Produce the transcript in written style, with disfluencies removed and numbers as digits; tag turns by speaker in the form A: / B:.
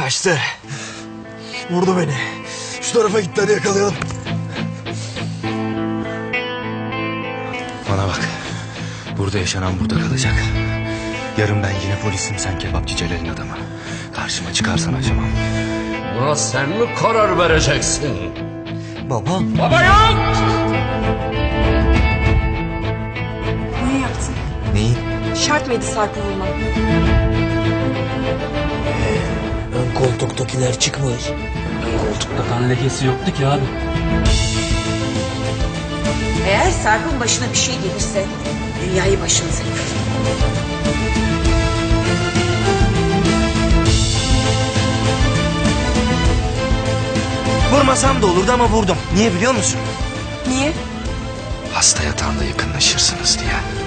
A: Kaçtı. Vurdu beni. Şu tarafa gitti, hadi yakalayalım.
B: Bana bak. Burada yaşanan burada kalacak. Yarın ben yine polisim, sen kebapçı Celal'in adamı. Karşıma çıkarsan acımam.
C: Buna sen mi karar vereceksin?
A: Baba.
C: Baba yok!
D: Niye yaptın?
B: Neyi?
D: Şart mıydı Sarp'ı vurman?
A: Ön koltuktakiler çıkmış.
C: Koltukta kan lekesi yoktu ki abi.
E: Eğer Sarp'ın başına bir şey gelirse dünyayı başınıza yıkar.
A: Vurmasam da olurdu ama vurdum. Niye biliyor musun?
D: Niye?
B: Hasta yatağında yakınlaşırsınız diye.